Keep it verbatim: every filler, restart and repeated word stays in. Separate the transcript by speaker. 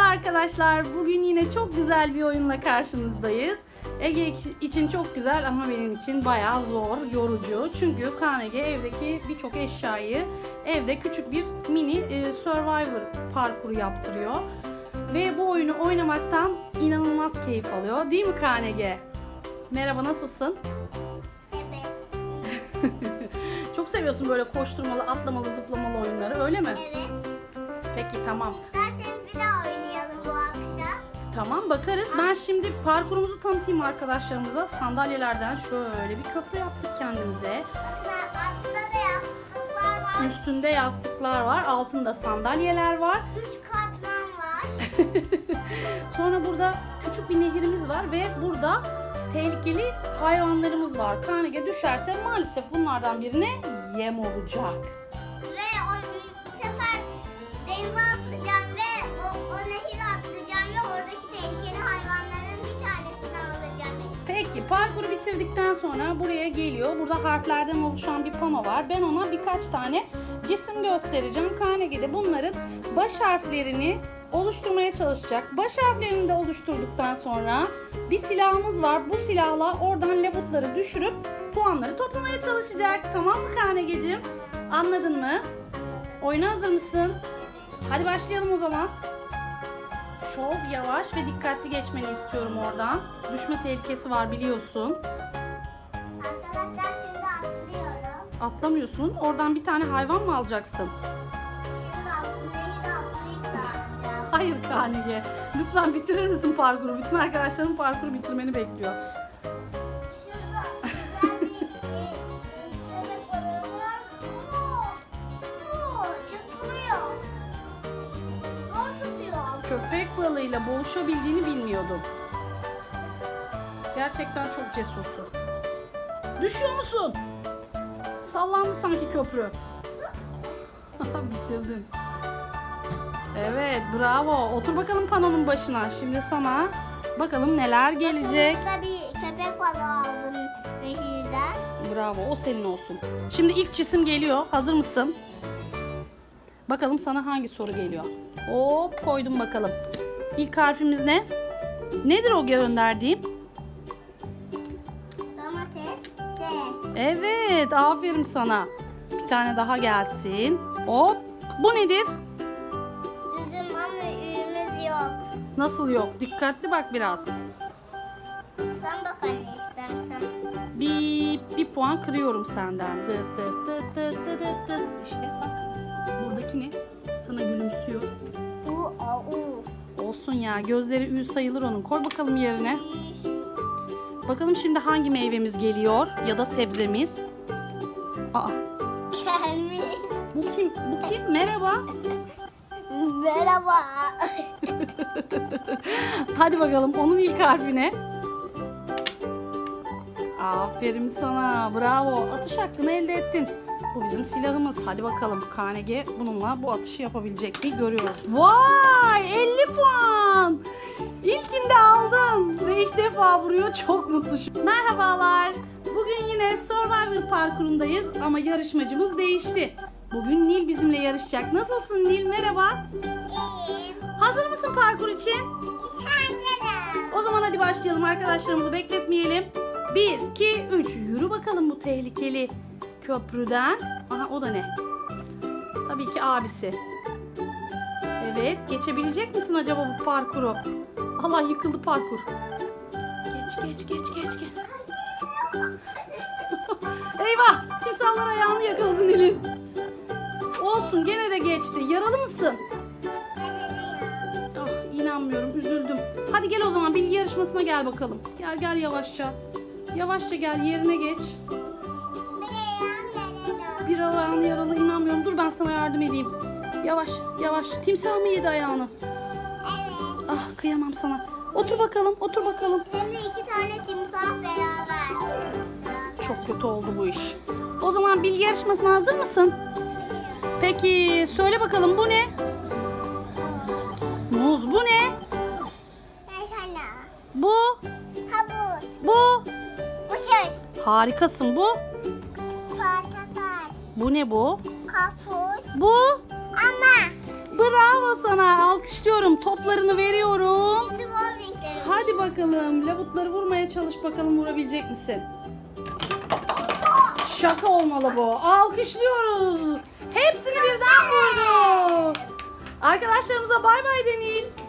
Speaker 1: arkadaşlar. Bugün yine çok güzel bir oyunla karşınızdayız. Ege için çok güzel ama benim için bayağı zor, yorucu. Çünkü Kaan Ege evdeki birçok eşyayı evde küçük bir mini e, Survivor parkuru yaptırıyor. Ve bu oyunu oynamaktan inanılmaz keyif alıyor. Değil mi Kaan Ege? Merhaba, nasılsın?
Speaker 2: Evet.
Speaker 1: Çok seviyorsun böyle koşturmalı, atlamalı, zıplamalı oyunları, öyle mi?
Speaker 2: Evet.
Speaker 1: Peki, tamam.
Speaker 2: İsterseniz bir daha oynayalım bu akşam.
Speaker 1: Tamam, bakarız. Ben şimdi parkurumuzu tanıtayım arkadaşlarımıza. Sandalyelerden şöyle bir köprü yaptık kendimize.
Speaker 2: Bakın altında da yastıklar var.
Speaker 1: Üstünde yastıklar var, altında sandalyeler var.
Speaker 2: Üç katman var.
Speaker 1: Sonra burada küçük bir nehirimiz var ve burada tehlikeli hayvanlarımız var. Kaan Ege düşerse maalesef bunlardan birine yem olacak.
Speaker 2: Ve o bu sefer denize atlayacağım ve o, o nehire atlayacağım ve oradaki tehlikeli hayvanların bir tanesini alacağım.
Speaker 1: Peki, parkuru bitirdikten sonra buraya geliyor. Burada harflerden oluşan bir pano var. Ben ona birkaç tane cisim göstereceğim. Kaan Ege de bunların baş harflerini oluşturmaya çalışacak. Baş harflerini de oluşturduktan sonra bir silahımız var. Bu silahla oradan labutları düşürüp puanları toplamaya çalışacak. Tamam mı Kaan Ege'ciğim? Anladın mı? Oyuna hazır mısın? Hadi başlayalım o zaman. Çok yavaş ve dikkatli geçmeni istiyorum oradan. Düşme tehlikesi var, biliyorsun.
Speaker 2: Arkadaşlar şimdi atlıyorum.
Speaker 1: Atlamıyorsun. Oradan bir tane hayvan mı alacaksın?
Speaker 2: Şimdi atlı nehire atlayıp da alacağım.
Speaker 1: Hayır Kaan Ege. Lütfen bitirir misin parkuru? Bütün arkadaşların parkuru bitirmeni bekliyor.
Speaker 2: Şurada güzel bir e, köpek balığı var. Oo, oo, çırpınıyor. Zor tutuyor.
Speaker 1: Köpek balığıyla boğuşabildiğini bilmiyordum. Gerçekten çok cesursun. Düşüyor musun? Sallandı sanki köprü. Bitirdin. Evet, bravo. Otur bakalım panonun başına. Şimdi sana bakalım neler gelecek.
Speaker 2: Burada bir köpek balığı aldım nehirden.
Speaker 1: Bravo, o senin olsun. Şimdi ilk cisim geliyor. Hazır mısın? Bakalım sana hangi soru geliyor. Hop, koydum bakalım. İlk harfimiz ne? Nedir o gönderdiğim?
Speaker 2: Domates, D.
Speaker 1: Evet, aferin sana. Bir tane daha gelsin. Hop, bu nedir?
Speaker 2: Üzüm ama üyümüz yok.
Speaker 1: Nasıl yok? Dikkatli bak biraz.
Speaker 2: Sen bak anne istersen.
Speaker 1: Bir, bir puan kırıyorum senden. Dıt dıt dıt dıt dıt dıt dıt. İşte bak. Buradaki ne? Sana gülümsüyor.
Speaker 2: U, A, U.
Speaker 1: Olsun ya. Gözleri ül sayılır onun. Koy bakalım yerine. Bakalım şimdi hangi meyvemiz geliyor? Ya da sebzemiz? Aa,
Speaker 2: Gelmiş.
Speaker 1: bu kim? Bu kim? Merhaba.
Speaker 2: Merhaba.
Speaker 1: Hadi bakalım onun ilk harfi ne? Aferin sana. Bravo. Atış hakkını elde ettin. Bu bizim silahımız. Hadi bakalım Kaan Ege bununla bu atışı yapabilecek mi görüyoruz. Vay! elli puan. İlkinde aldın ve ilk defa vuruyor. Çok mutlu. Merhabalar. Bugün yine Survivor parkurundayız ama yarışmacımız değişti. Bugün Nil bizimle yarışacak. Nasılsın Nil? Merhaba.
Speaker 2: İyiyim.
Speaker 1: Hazır mısın parkur için?
Speaker 2: Hazırım.
Speaker 1: O zaman hadi başlayalım, arkadaşlarımızı bekletmeyelim. bir, iki, üç. Yürü bakalım bu tehlikeli köprüden. Aha, o da ne? Tabii ki abisi. Evet, geçebilecek misin acaba bu parkuru? Allah, yıkıldı parkur. Geç geç geç geç geç. Eyvah! Timsahlar ayağını yakaladı Nil'in. Olsun, gene de geçti. Yaralı mısın? Ah, inanmıyorum, üzüldüm. Hadi gel o zaman, bilgi yarışmasına gel bakalım. Gel gel yavaşça. Yavaşça gel, yerine geç. Bir ayağın yaralı, inanmıyorum. Dur ben sana yardım edeyim. Yavaş yavaş. Timsah mı yedi ayağını?
Speaker 2: Evet.
Speaker 1: Ah, kıyamam sana. Otur bakalım, otur bakalım.
Speaker 2: Hem de iki tane timsah beraber.
Speaker 1: Çok kötü oldu bu iş. O zaman bilgi yarışmasına hazır mısın? Peki söyle bakalım, bu ne? Muz. Bu ne?
Speaker 2: Yaşana.
Speaker 1: Bu.
Speaker 2: Havuz.
Speaker 1: Bu.
Speaker 2: Mısır.
Speaker 1: Harikasın. Bu.
Speaker 2: Portakal.
Speaker 1: Bu ne bu?
Speaker 2: Karpuz.
Speaker 1: Bu.
Speaker 2: Ama.
Speaker 1: Bu. Bravo sana. Alkışlıyorum. Toplarını veriyorum.
Speaker 2: Şimdi mor renkleri.
Speaker 1: Hadi bakalım. Labutları vurmaya çalış bakalım, vurabilecek misin? Şaka olmalı bu. Alkışlıyoruz. Hepsini birden vurdu. Arkadaşlarımıza bay bay deneyin.